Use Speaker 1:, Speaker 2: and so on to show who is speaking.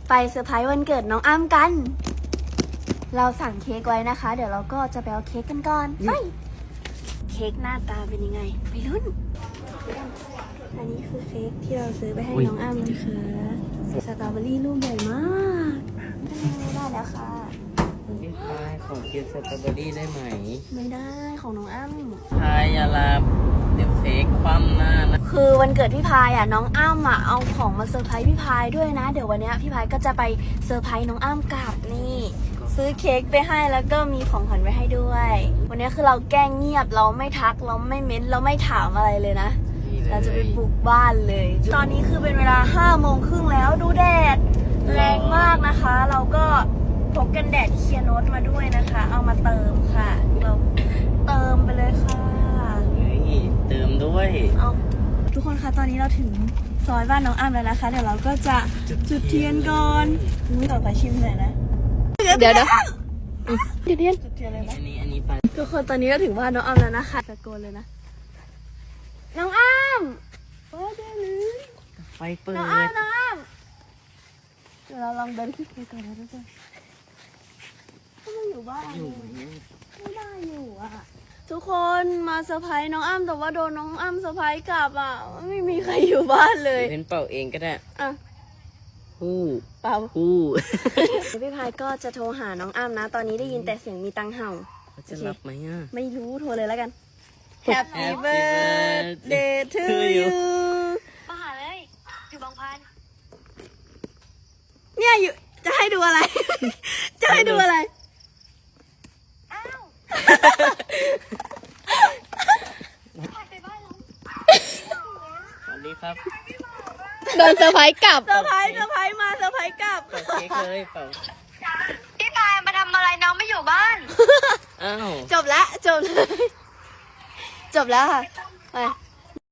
Speaker 1: ไปเซอร์ไพรส์วันเกิดน้องอ้ำกัน เราสั่งเค้กไว้นะคะ เดี๋ยวเราก็จะไปเอาเค้กกันก่อนไปเค้กหน้าตาเป็นยังไงไปลุ้นอันนี้คือเค้กที่เราซื้อไปให้น้องอ้ำนะคะสตรอเบอรี่ลูกใหญ่มากได้แล้วค่ะ
Speaker 2: พี่พายขอกินสตรอเบอรี่ได้ไหม
Speaker 1: ไม่ได้ของน้องอ้ำ
Speaker 2: พายอย่าลาเดี๋ยวเค้กคว่ำหน้านะ
Speaker 1: คือวันเกิดพี่พายอ่ะน้องอ้ำอ่ะเอาของมาเซอร์ไพรส์พี่พายด้วยนะเดี๋ยววันนี้พี่พายก็จะไปเซอร์ไพรส์น้องอ้ำกลับนี่ซื้อเค้กไปให้แล้วก็มีของขวัญไว้ให้ด้วย วันนี้คือเราแกล้งเงียบเราไม่ทักเราไม่เม้นเราไม่ถามอะไรเลยนะเราจะไปบุกบ้านเลย ตอนนี้คือเป็นเวลา5:30แล้วดูแดดแรงมากนะคะ เราก็พกกันแดดเคียร์โนตมาด้วยนะคะ เอามาเติมค่ะเราเติมไปเลยค่ะ
Speaker 2: เฮ้ยเติมด้วย
Speaker 1: เอาทุกคนคะตอนนี้เราถึงซอยบ้านน้องอ้ำแล้วนะคะ เดี๋ยวเราก็จะจุดเทียนก่อนอุ้ยต่อไปชิมเลยนะเดี๋ยวจุดเทียนจุดเทียนเลยนะ
Speaker 2: อันนี้ไป
Speaker 1: ทุกคนตอนนี้ก็ถึงบ้านน้องอ้ำแล้วนะคะตะโกนเลยนะน้องอ้ำโอ้ได้เลย
Speaker 2: ไฟเปิด
Speaker 1: น้องอ้ำน้องอ้ำเดี๋ยวเราลองเดินขึ้นไปก่อนนะทุกคนก็ไม่อยู่บ้าน
Speaker 2: อยู่เนี่ย
Speaker 1: ไม่ได้อยู่อ่ะทุกคนมาเซอร์ไพรส์น้องอ้ำแต่ว่าโดนน้องอ้ำเซอร์ไพรส์กลับอ่ะไม่มีใครอยู่บ้านเลย
Speaker 2: เป็นเป่าเองก็ได้
Speaker 1: อ่ะ
Speaker 2: ฮู้
Speaker 1: เปล่า
Speaker 2: ฮู้
Speaker 1: พี่พายก็จะโทรหาน้องอ้ำนะ ตอนนี้ได้ยินแต่เสียงมีตังเห่า
Speaker 2: เขาจะรับไหมอ่ะ
Speaker 1: ไม่รู้โทรเลยแล้วกัน Happy
Speaker 2: Happy
Speaker 1: birthday to
Speaker 2: to
Speaker 1: you
Speaker 2: you
Speaker 1: มาหาเลย อยู่บางพันเนี่ยอยู่ จะให้ดูอะไร จะให้ดูอะไร อ้าวไปบ้านเรา
Speaker 2: สวัสดีครับ
Speaker 3: โดนเซอร์ไพรส์กลับ
Speaker 1: เซอร์ไพรส์มาเซอร์ไพรส์กลับ
Speaker 2: เป่าเค้กเลยเป่า
Speaker 1: พี่พายมาทำอะไรน้องไม่อยู่บ้าน
Speaker 2: อ้าว
Speaker 1: จบแล้วจบเลย จบแล้วค่ะไป